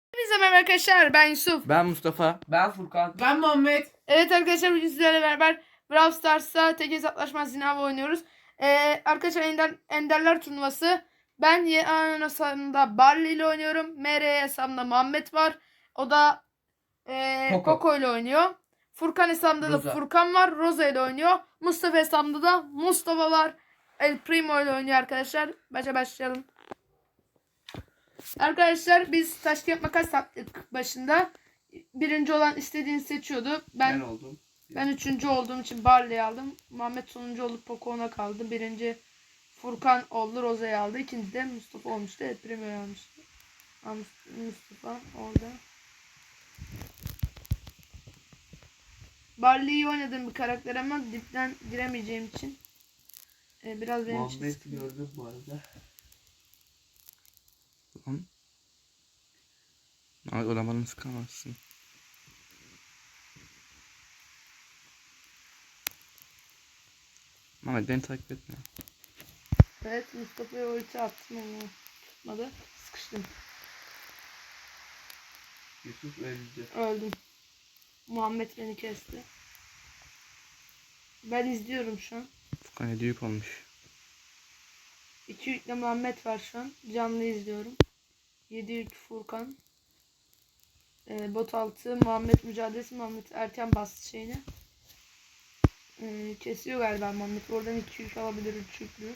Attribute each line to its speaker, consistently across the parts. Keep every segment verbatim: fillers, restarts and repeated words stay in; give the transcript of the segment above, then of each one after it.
Speaker 1: Hepinize merhaba arkadaşlar, ben Yusuf.
Speaker 2: Ben Mustafa.
Speaker 3: Ben Furkan.
Speaker 4: Ben Muhammed.
Speaker 1: Evet arkadaşlar, bugün sizlerle beraber Brawl Stars'ta tek hesaplaşma zinavı oynuyoruz. Ee, arkadaşlar Ender, Enderler turnuvası. Ben Y A hesabımda Barley ile oynuyorum. M R hesabımda Muhammed var. O da e,
Speaker 3: Poco.
Speaker 1: Poco ile oynuyor. Furkan hesabımda
Speaker 3: Rosa.
Speaker 1: da Furkan var. Rosa ile oynuyor. Mustafa hesabımda da Mustafa var. El Primo ile oynuyor arkadaşlar. Başa başlayalım. Arkadaşlar biz taş kağıt makas yaptık başında. Birinci olan istediğini seçiyordu. Ben
Speaker 3: Ben oldum.
Speaker 1: ben üçüncü olduğum için Barley'i aldım. Muhammed sonuncu olup Poco ona kaldı. Birinci Furkan oldu, Roza'yı aldı. İkinci de Mustafa olmuştu. Evet, Primo'yu almıştı. Aa, Mustafa orada. Barley iyi oynadığım bir karakter ama dipten giremeyeceğim için e, biraz benim için
Speaker 3: Muhammed
Speaker 1: sıkıntı.
Speaker 3: gördüm bu arada.
Speaker 2: Lan. Ay olamanı sıkamazsın. Mehmet beni takip etme.
Speaker 1: Evet, Mustafa'ya ulti attım ama tutmadı. Sıkıştım.
Speaker 3: Yusuf öldü.
Speaker 1: Öldüm. Muhammed beni kesti. Ben izliyorum şu an.
Speaker 2: Furkan hediye yük olmuş.
Speaker 1: İki yükle Muhammed var şu an. Canlı izliyorum. Yedi yük Furkan. Ee, bot altı Muhammed mücadelesi. Muhammed erken bastı şeyini. Ee, kesiyor galiba Muhammed. Oradan iki yük alabilir, üç yüklü.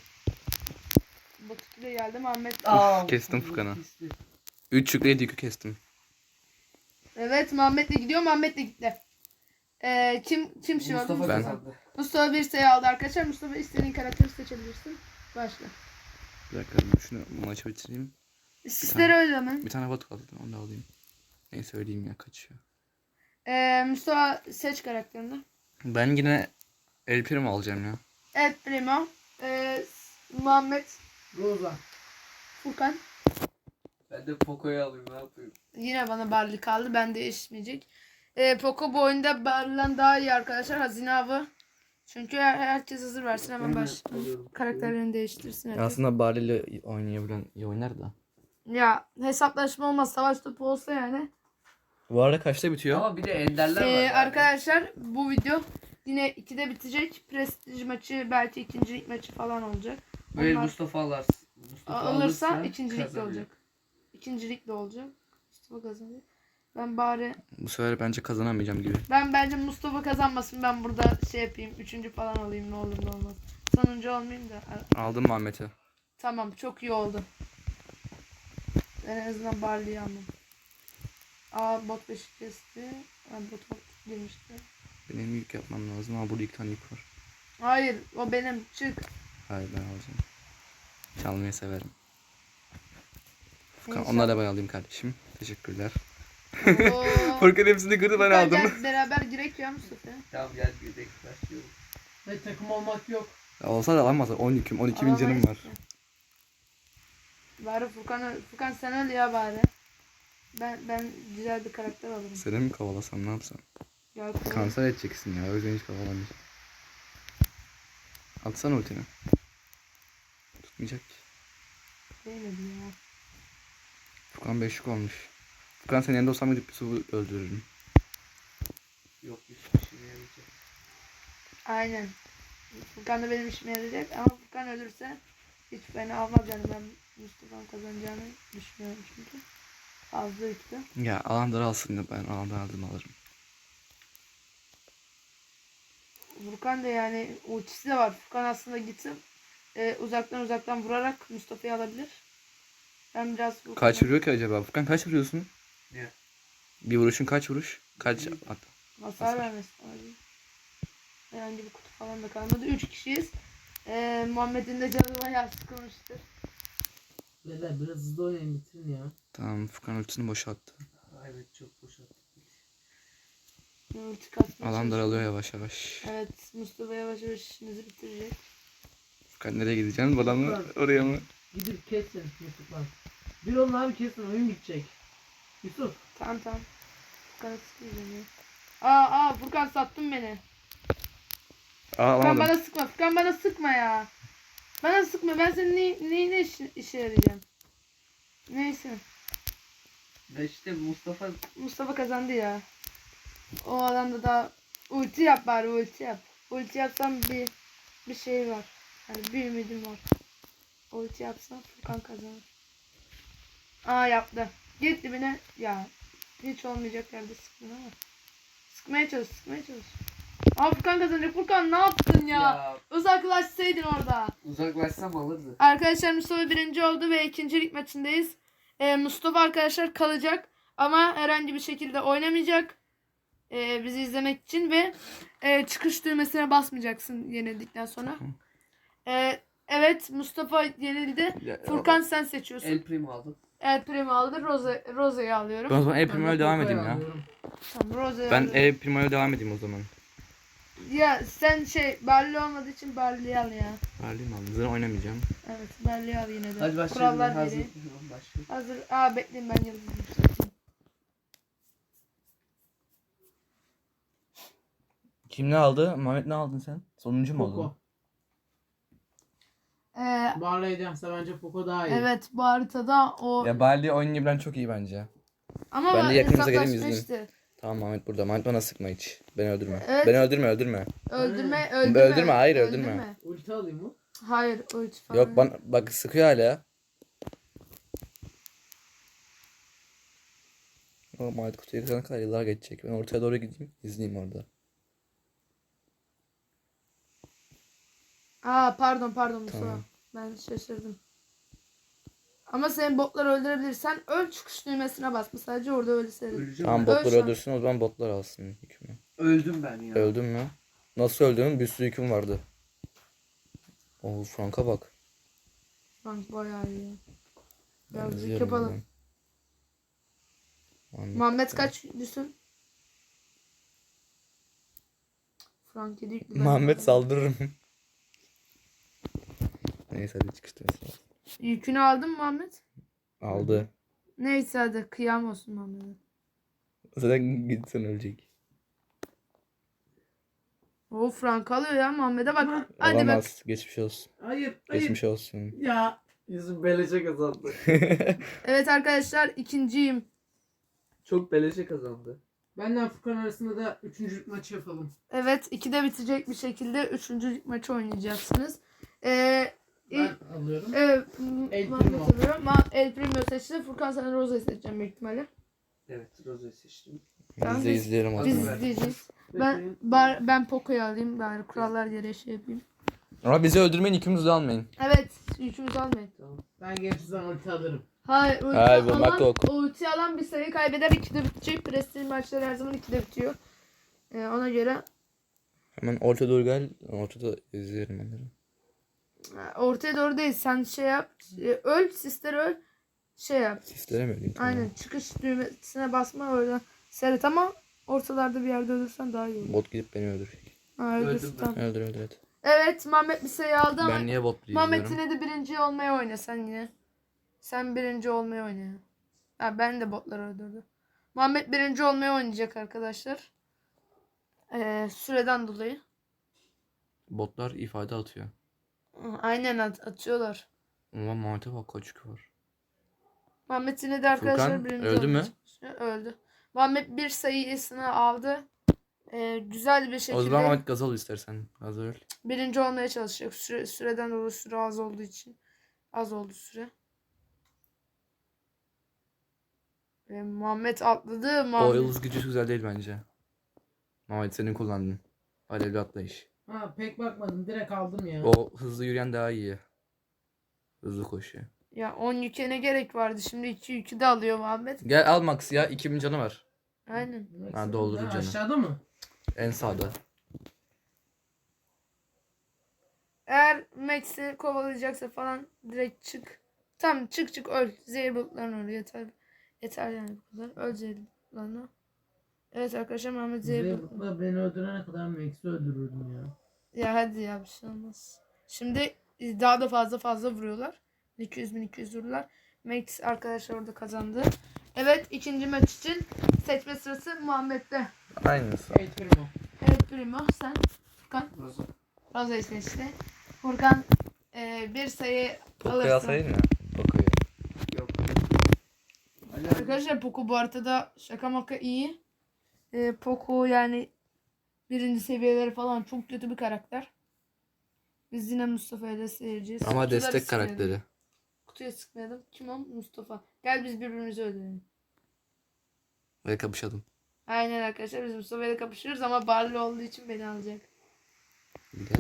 Speaker 1: Bot iki de geldi. Muhammed.
Speaker 3: Aa,
Speaker 2: kestim
Speaker 3: bu
Speaker 2: Furkan'ı.
Speaker 3: kesti.
Speaker 2: üç yükle hediye yükü kestim.
Speaker 1: Evet, Muhammed de gidiyor. Muhammed de gitti. Ee, kim kim şey oldu?
Speaker 3: Mustafa
Speaker 2: Ben.
Speaker 3: kazandı.
Speaker 1: Mustafa bir sayı aldı arkadaşlar. Mustafa istediğin karakteri seçebilirsin. Başla.
Speaker 2: Bir dakika şunu maçı bitireyim.
Speaker 1: Sizlere öyle mi?
Speaker 2: Bir tane bot kaldı onu da alayım. Neyse söyleyeyim ya kaçıyor.
Speaker 1: Ee, Mustafa seç karakterini.
Speaker 2: Ben yine El Primo alacağım ya.
Speaker 1: Evet, Primo. Ee, Muhammed.
Speaker 4: Rosa.
Speaker 1: Furkan.
Speaker 3: Ben de Poco'yu alayım, ne yapayım?
Speaker 1: Yine bana Barley kaldı. Ben değişmeyecek. Ee, Poco bu oyunda Barley'den daha iyi arkadaşlar. Hazine avı. Çünkü her, herkes hazır versin. Hemen baş
Speaker 3: alıyorum.
Speaker 1: karakterlerini değiştirsin. herkes.
Speaker 2: Aslında Barley ile oynayabilen iyi oynar da.
Speaker 1: Ya hesaplaşma olmaz. Savaş topu olsa yani.
Speaker 2: Bu arada kaçta bitiyor?
Speaker 3: Ama bir de enderler var.
Speaker 1: Ee,
Speaker 3: yani.
Speaker 1: arkadaşlar bu video yine ikide bitecek. Prestij maçı, belki ikincilik maçı falan olacak.
Speaker 3: Böyle
Speaker 1: Onlar
Speaker 3: Mustafa alır. Mustafa
Speaker 1: alırsa
Speaker 3: alırsa
Speaker 1: ikincilik de
Speaker 3: kazanıyor.
Speaker 1: olacak. İkincilik de olacak. Mustafa kazanıyor. Ben bari
Speaker 2: Bu sefer bence kazanamayacağım gibi.
Speaker 1: Ben bence Mustafa kazanmasın. Ben burada şey yapayım. Üçüncü falan olayım. Ne olur ne olmaz. Sonuncu olmayayım da.
Speaker 2: Aldım Muhammed'i.
Speaker 1: Tamam. Çok iyi oldu. Ben en azından Barley'i aldım. Aa, bot beşi kesti. Ha, bot alt girmişti.
Speaker 2: Benim yük yapmam lazım ama burada iki tane yük var.
Speaker 1: Hayır. O benim. Çık.
Speaker 2: Hayır ben alacağım. Çalmayı severim. Furkan
Speaker 1: İnşallah.
Speaker 2: onları da ben alayım kardeşim. Teşekkürler.
Speaker 1: Oo.
Speaker 2: Furkan hepsini kırdı ben
Speaker 1: Gel,
Speaker 2: aldım.
Speaker 1: gel, beraber girek ya Mustafa.
Speaker 3: Tamam gel bir de başlıyorum.
Speaker 4: Ve takım olmak yok.
Speaker 2: Ya olsa da alamaz. on yüküm, on iki bin canım
Speaker 1: Alamayız
Speaker 2: var.
Speaker 1: ki. Bari Furkan, Furkan sen öl ya bari. Ben ben güzel bir karakter alırım.
Speaker 2: Seni mi kovalasam ne yapsam?
Speaker 1: Gel koy.
Speaker 2: Kanser edeceksin ya. O yüzden hiç kovalamayacağım. Atsana ultini. Tutmayacak ki.
Speaker 1: Değmedi ya.
Speaker 2: Furkan beş yük olmuş. Furkan senin yanında olsam gidip bir su öldürürüm.
Speaker 3: Yok hiçbir şey yarayacak.
Speaker 1: Aynen. Furkan da benim işime yarayacak ama Furkan ölürse hiç beni almaz yani, ben Mustafa'nın kazanacağını düşünüyorum çünkü. Fazla yüklü.
Speaker 2: Ya alanları alsın da ben alandan aldım alırım.
Speaker 1: Furkan da yani ultisi de var. Furkan aslında gitsin e, uzaktan uzaktan vurarak Mustafa'yı alabilir. Ben biraz Furkan'a-
Speaker 2: Kaç vuruyor ki acaba? Furkan kaç vuruyorsun?
Speaker 3: Ne?
Speaker 2: Bir vuruşun kaç vuruş? Kaç at?
Speaker 1: hasar
Speaker 2: Hasar.
Speaker 1: vermesi lazım. Herhangi bir kutu falan da kalmadı. Üç kişiyiz. E, Muhammed'in de canı bayağı sıkılmıştır.
Speaker 4: Beyler biraz hızlı oynayın, bitirin ya.
Speaker 2: Tamam Furkan ultisini boşalttı.
Speaker 3: Evet çok boşalttım.
Speaker 1: Ulti kasmaya
Speaker 2: Alan
Speaker 1: çalışıyor.
Speaker 2: daralıyor yavaş yavaş.
Speaker 1: Evet, Mustafa yavaş yavaş işimizi bitirecek.
Speaker 2: Furkan nereye gideceksin? Bana mı? Oraya mı?
Speaker 4: Gidip kesin Yusuf lan. Bir olun abi, kesin, oyun bitecek. Yusuf.
Speaker 1: Tamam tamam. Furkan'ı sıkmayacağım ya. Aa aa Furkan sattın beni.
Speaker 2: Aa
Speaker 1: Furkan
Speaker 2: alamadım.
Speaker 1: bana sıkma. Furkan bana sıkma ya. Bana sıkma. Ben senin ne, neyine işe, işe yarayacağım. Neyse.
Speaker 3: Ya işte Mustafa
Speaker 1: Mustafa kazandı ya. O alanda da ulti yap bari ulti yap. Ulti yapsam bir bir şey var. Yani bir ümidim var. Ulti yapsam Furkan kazanır. Aa yaptı. Git dibine ya. Hiç olmayacak yerde sıktın ama. Sıkmaya çalış, sıkmaya çalış. Aa Furkan kazanacak. Furkan ne yaptın ya?
Speaker 3: ya
Speaker 1: Uzaklaşsaydın orada.
Speaker 3: uzaklaşsam alırdı.
Speaker 1: Arkadaşlar Mustafa birinci oldu ve ikincilik maçındayız. Ee, Mustafa arkadaşlar kalacak ama herhangi bir şekilde oynamayacak. Ee, bizi izlemek için ve e, çıkış düğmesine basmayacaksın yenildikten sonra. Ee, evet Mustafa yenildi.
Speaker 2: Ya,
Speaker 1: Furkan sen seçiyorsun.
Speaker 3: El Primo aldım.
Speaker 1: El Primo aldı. Rose, Rose'yi alıyorum.
Speaker 2: Ben o zaman El
Speaker 4: Ben de
Speaker 2: Primo'ya devam
Speaker 4: Poco'yu
Speaker 2: edeyim ya.
Speaker 4: alıyorum.
Speaker 1: Tamam Rose'yi
Speaker 2: Ben
Speaker 1: alıyorum.
Speaker 2: El Primo'ya devam edeyim o zaman.
Speaker 1: Ya sen şey Barley olmadığı için Barley'i al ya.
Speaker 2: Verdiğim aldım. Zaten oynamayacağım.
Speaker 1: Evet Barley'i al yine de.
Speaker 3: Hadi başlayalım.
Speaker 1: Kurallar
Speaker 3: Hazır.
Speaker 1: gereği.
Speaker 3: Başlayalım.
Speaker 1: Hazır. Aa bekleyin ben yıldız yükselteyim.
Speaker 2: Kim ne aldı? Mehmet ne aldın sen? Sonuncu mu oldun?
Speaker 4: Poco.
Speaker 1: Ee,
Speaker 4: Barley'dense bence Poco daha iyi.
Speaker 1: evet bu haritada o
Speaker 2: Ya Barley oynayabilen çok iyi bence.
Speaker 1: ama
Speaker 2: ben de yakınımıza geleyim,
Speaker 1: hesaplaşma
Speaker 2: izleyeyim.
Speaker 1: işte.
Speaker 2: Tamam Mehmet burada. Mehmet bana sıkma hiç. Beni öldürme.
Speaker 1: Evet.
Speaker 2: Beni öldürme öldürme.
Speaker 1: Öldürme,
Speaker 4: Hmm.
Speaker 1: öldürme.
Speaker 2: Öldürme, hayır, öldürme.
Speaker 4: Ulti alayım mı?
Speaker 1: Hayır, ulti falan.
Speaker 2: Yok bana, bak sıkıyor hala. O Mehmet kutuya yıkana kadar yıllar geçecek. Ben ortaya doğru gideyim. İzleyeyim orada.
Speaker 1: Aa pardon pardon Mustafa.
Speaker 2: Tamam.
Speaker 1: Ben şaşırdım. Ama senin botları öldürebilirsen öl çıkış düğmesine basma. Sadece orada öyle seyredin.
Speaker 3: Öleceğim
Speaker 2: Tamam
Speaker 3: ben.
Speaker 1: Öl
Speaker 2: botlar
Speaker 1: şu an.
Speaker 2: öldürsün o zaman botlar alsın hükmü.
Speaker 3: Öldüm ben ya.
Speaker 2: Öldün mü? Nasıl öldün? Bir sürü hüküm vardı. Oo Frank'a bak.
Speaker 1: Frank bayağı iyi.
Speaker 2: Ben
Speaker 1: Birazcık
Speaker 2: izliyorum
Speaker 1: yapalım.
Speaker 2: buradan. Muhammed.
Speaker 1: Muhammed kaç düşsün? Frank yedi yüklü. ben
Speaker 2: Muhammed
Speaker 1: de-
Speaker 2: saldırırım. Neyse hadi çıkıştı.
Speaker 1: Yükünü aldın mı Muhammed?
Speaker 2: Aldı.
Speaker 1: Neyse hadi kıyam olsun Muhammed'e.
Speaker 2: Zaten gitsen ölecek.
Speaker 1: O Frank alıyor ya Muhammed'e bak. Hadi bak.
Speaker 2: Olamaz. Geçmiş olsun.
Speaker 4: Hayır, hayır.
Speaker 2: Geçmiş olsun.
Speaker 4: Ya. Yüzüm beleşe kazandı.
Speaker 1: Evet arkadaşlar ikinciyim.
Speaker 3: Çok beleşe kazandı.
Speaker 4: Benden Furkan arasında da üçüncülük maçı yapalım.
Speaker 1: Evet ikide bitecek bir şekilde üçüncü maçı oynayacaksınız. Ee,
Speaker 4: Ben
Speaker 1: ilk-
Speaker 4: alıyorum.
Speaker 1: Evet,
Speaker 4: El
Speaker 1: Muhammed
Speaker 4: Primo.
Speaker 1: alıyor. Ma El Primo seçti. Furkan sen Rose'yi seçeceğim büyük ihtimalle.
Speaker 3: Evet Rose'yi seçtim.
Speaker 1: Tamam,
Speaker 2: Biz de
Speaker 1: biz-
Speaker 2: izleyelim o
Speaker 1: Biz
Speaker 2: zaman.
Speaker 1: izleyeceğiz. Ben
Speaker 4: Bekleyin.
Speaker 1: bar, ben Poco'yu alayım bari kurallar gereği şey yapayım.
Speaker 2: Ama bizi öldürmeyin ikimizi de almayın.
Speaker 1: Evet yükümüzü almayın.
Speaker 3: Tamam.
Speaker 4: Ben gençten ulti alırım.
Speaker 1: Hayır ulti
Speaker 2: Hayır, bu
Speaker 1: alan,
Speaker 2: Makok.
Speaker 1: ulti alan bir sayı kaybeder ikide bitecek. Prestij maçları her zaman ikide bitiyor. Ee, ona göre
Speaker 2: Hemen orta doğru gel. Ortada izleyelim onları.
Speaker 1: e, ortaya doğru değil sen şey yap. e, Öl sister öl. Şey yap.
Speaker 2: Sislere mi öleyim? Tamam.
Speaker 1: Aynen çıkış düğmesine basma orada. Seyret ama ortalarda bir yerde ölürsen daha iyi olur.
Speaker 2: Bot gidip beni öldürecek.
Speaker 1: Ha,
Speaker 3: Öldüm
Speaker 1: öldürsün,
Speaker 3: ben.
Speaker 1: tamam.
Speaker 2: Öldür öldür hadi.
Speaker 1: Evet Mehmet bir sayı aldı ama
Speaker 2: Ben niye bot
Speaker 1: Mehmet
Speaker 2: izliyorum?
Speaker 1: yine de birinci olmaya oyna sen yine. Sen birinci olmaya oyna. Ha, ben de botları öldürdüm. Mehmet birinci olmaya oynayacak arkadaşlar. Ee, süreden dolayı.
Speaker 2: Botlar ifade atıyor.
Speaker 1: Hı, aynen at atıyorlar.
Speaker 2: Ulan Mehmet'e bak kaç yükü var.
Speaker 1: Mehmet yine de arkadaşlar
Speaker 2: Furkan,
Speaker 1: birinci
Speaker 2: öldü mü?
Speaker 1: olmaya çalışıyor. Öldü. Mehmet bir sayısını aldı. Ee, güzel bir şekilde
Speaker 2: O zaman Mehmet gaz al istersen. Gaz öl.
Speaker 1: birinci olmaya çalışacak. Süre, süreden dolayı süre az olduğu için. Az oldu süre. Ve Muhammed atladı.
Speaker 2: O
Speaker 1: Muhammed.
Speaker 2: yıldız gücü güzel değil bence. Mehmet senin kullandın. Alevli atlayış.
Speaker 4: Ha pek bakmadım. Direkt aldım ya.
Speaker 2: O hızlı yürüyen daha iyi. Hızlı koşuyor.
Speaker 1: Ya on yüke ne gerek vardı? Şimdi iki yükü de alıyor Muhammed.
Speaker 2: Gel al Max ya. iki bin canı var.
Speaker 1: Aynen.
Speaker 2: Ha, doldurur
Speaker 4: Ha,
Speaker 2: canı.
Speaker 4: Aşağıda mı?
Speaker 2: En sağda.
Speaker 1: Eğer Max'i kovalayacaksa falan direkt çık. Tamam çık çık öl. Zehir bulutlarına öl. Yeter. Yeter yani bu kadar. Öl zehir bulutlarına. Evet arkadaşlar Muhammed zehir bulutlarına.
Speaker 4: Zeybat'la beni öldürene kadar Max'i öldürürdüm ya.
Speaker 1: Ya hadi ya bir şey olmaz. Şimdi daha da fazla fazla vuruyorlar. iki yüz bin iki yüz vururlar. Max arkadaşlar orada kazandı. Evet ikinci maç için seçme sırası Muhammed'de.
Speaker 2: Aynısı.
Speaker 4: El Primo.
Speaker 1: Evet Primo sen. Furkan.
Speaker 3: Rose.
Speaker 1: Rose'yi seçti. Furkan e, bir sayı
Speaker 2: Poco'yu
Speaker 1: alırsın.
Speaker 2: alsaydın ya. Poco'yu.
Speaker 3: Yok.
Speaker 1: Arkadaşlar Poco bu haritada şaka maka iyi. Ee, Poco yani birinci seviyeleri falan çok kötü bir karakter. Biz yine Mustafa'ya da seyirciyiz.
Speaker 2: Ama
Speaker 1: Kutuları
Speaker 2: destek
Speaker 1: sıkmayalım.
Speaker 2: karakteri.
Speaker 1: Kutuya sıkmayalım. Kim o? Mustafa. Gel biz birbirimizi öldürelim.
Speaker 2: Ve kapışalım.
Speaker 1: Aynen arkadaşlar biz Mustafa'yla kapışırız ama Barley olduğu için beni alacak.
Speaker 2: Gel.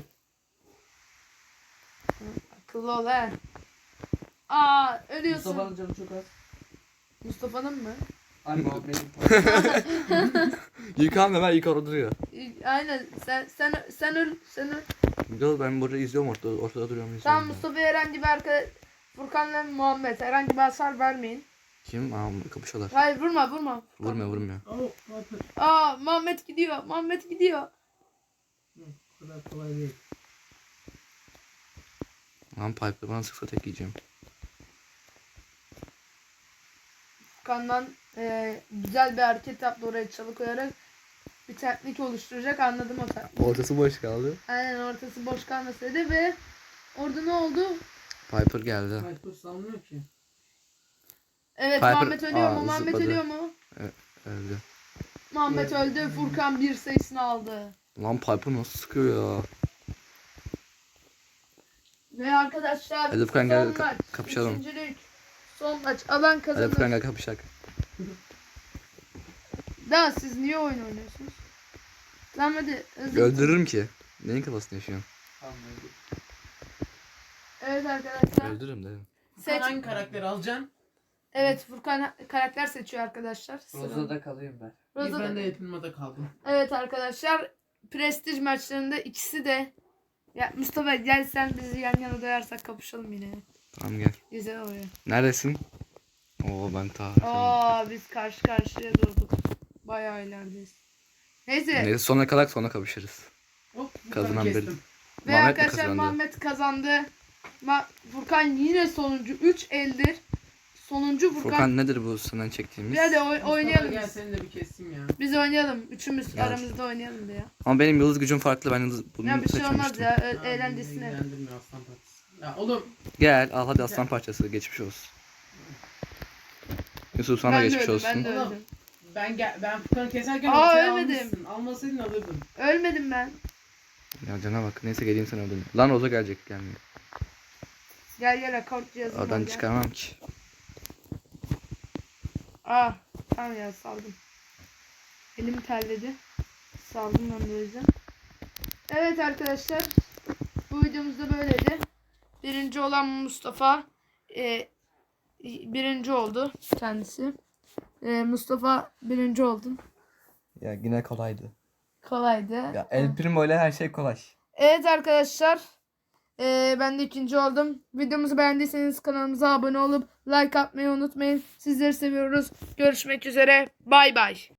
Speaker 1: Akıllı ol he. Aa ölüyorsun.
Speaker 3: Mustafa'nın canı çok az.
Speaker 1: Mustafa'nın mı?
Speaker 3: Ay Muhammed'in.
Speaker 2: Yıkan Ömer ilk orada duruyor.
Speaker 1: Aynen sen sen sen öl sen öl.
Speaker 2: Yo, ben burada izliyorum ortada, ortada duruyorum.
Speaker 1: Tamam
Speaker 2: izliyorum ben.
Speaker 1: Mustafa'ya herhangi bir arka Furkan'la Muhammed herhangi bir hasar vermeyin.
Speaker 2: Kim? Aa, kapışıyorlar.
Speaker 1: Hayır vurma vurma.
Speaker 2: Vurmuyor vurmuyor.
Speaker 4: Oh, Piper.
Speaker 1: Aa Muhammed gidiyor. Muhammed gidiyor.
Speaker 4: Hı, bu kadar kolay değil.
Speaker 2: Lan Piper bana sıksa tek yiyeceğim.
Speaker 1: Furkan'dan e, güzel bir hareket yaptı oraya çalı koyarak bir teknik oluşturacak anladım o teknik.
Speaker 2: Ortası boş kaldı.
Speaker 1: Aynen ortası boş kalmasaydı ve orada ne oldu?
Speaker 2: Piper geldi.
Speaker 4: Piper salmıyor ki.
Speaker 1: Evet
Speaker 2: Piper-
Speaker 1: Muhammed ölüyor
Speaker 2: Aa,
Speaker 1: mu? Muhammed
Speaker 2: zıpladı.
Speaker 1: ölüyor mu?
Speaker 2: Öldü.
Speaker 1: Muhammed öldü. Furkan bir sayısını aldı.
Speaker 2: Lan Piper nasıl sıkıyor ya?
Speaker 1: Ve arkadaşlar
Speaker 2: Hadi Furkan gel,
Speaker 1: son
Speaker 2: ka-
Speaker 1: maç.
Speaker 2: kapışalım.
Speaker 1: Üçüncülük. Son maç. Alan
Speaker 2: Hadi
Speaker 1: kazanır.
Speaker 2: Furkan gel kapışak.
Speaker 1: Daha siz niye oyun oynuyorsunuz? Tamam hadi. hızlı.
Speaker 2: Öldürürüm ki. Neyin kafasını yaşıyorsun?
Speaker 3: Anladım.
Speaker 1: Evet arkadaşlar.
Speaker 2: Öldürürüm dedim.
Speaker 1: Seç.
Speaker 4: Sen hangi karakteri alacaksın?
Speaker 1: Evet Furkan karakter seçiyor arkadaşlar. Sıra.
Speaker 3: Roza'da kalayım ben.
Speaker 4: İyi,
Speaker 1: Roza'da-
Speaker 4: ben de Yapılma'da kaldım.
Speaker 1: Evet arkadaşlar. Prestij maçlarında ikisi de ya Mustafa gel sen bizi yan yana doyarsak kapışalım yine.
Speaker 2: Tamam gel.
Speaker 1: Güzel oluyor.
Speaker 2: Neredesin? Oo ben ta.
Speaker 1: Aa biz karşı karşıya durduk. Bayağı ilerideyiz. Neyse.
Speaker 2: Neyse sonra kalak sonra kapışırız.
Speaker 4: Hop, bir
Speaker 2: Kazanan
Speaker 4: tane
Speaker 2: bir-
Speaker 4: kestim.
Speaker 1: Ve
Speaker 2: Muhammed mi
Speaker 1: arkadaşlar
Speaker 2: kazandı?
Speaker 1: Muhammed kazandı. Ma Furkan yine sonuncu. üç eldir. Sonuncu Furkan.
Speaker 2: Furkan nedir bu senden çektiğimiz?
Speaker 1: Bir hadi oy-
Speaker 4: Mustafa,
Speaker 1: oynayalım
Speaker 4: gel
Speaker 1: biz.
Speaker 4: seni de bir kestim ya.
Speaker 1: Biz oynayalım. Üçümüz
Speaker 2: Gel.
Speaker 1: aramızda oynayalım diye.
Speaker 2: Ama benim yıldız gücüm farklı. Ben yıldız bunu
Speaker 1: Ya bir şey olmaz
Speaker 2: seçmemiştim.
Speaker 1: ya. Ö-
Speaker 4: Tamam,
Speaker 1: eğlencesine.
Speaker 4: beni ilgilendirmiyor aslan parçası. Ya oğlum
Speaker 2: Gel al hadi aslan parçası geçmiş olsun. Yusuf sana da
Speaker 1: Ben de
Speaker 2: geçmiş
Speaker 1: öldüm,
Speaker 2: olsun.
Speaker 1: ben de
Speaker 4: Oğlum.
Speaker 1: öldüm.
Speaker 4: ben gel ben Furkan'ı keserken
Speaker 1: Aa,
Speaker 4: ortaya
Speaker 1: ölmedim.
Speaker 4: almışsın. Almasaydın alırdın.
Speaker 1: Ölmedim ben.
Speaker 2: Ya cana bak. Neyse geleyim sen öldün. Lan Roza gelecek gelmiyor.
Speaker 1: Gel gel akort cihazım var,
Speaker 2: Oradan
Speaker 1: gel.
Speaker 2: çıkarmam ki.
Speaker 1: Aa tamam ya saldım. Elim terledi. Saldım ben de o yüzden. Evet arkadaşlar. Bu videomuz da böyleydi. Birinci olan Mustafa. E, birinci oldu kendisi. E, Mustafa birinci oldun.
Speaker 2: Ya yine kolaydı.
Speaker 1: Kolaydı.
Speaker 2: Ya El Primo ile her şey kolay.
Speaker 1: Evet arkadaşlar. Ee, ben de ikinci oldum. Videomuzu beğendiyseniz kanalımıza abone olup like atmayı unutmayın. Sizleri seviyoruz. Görüşmek üzere. Bay bay.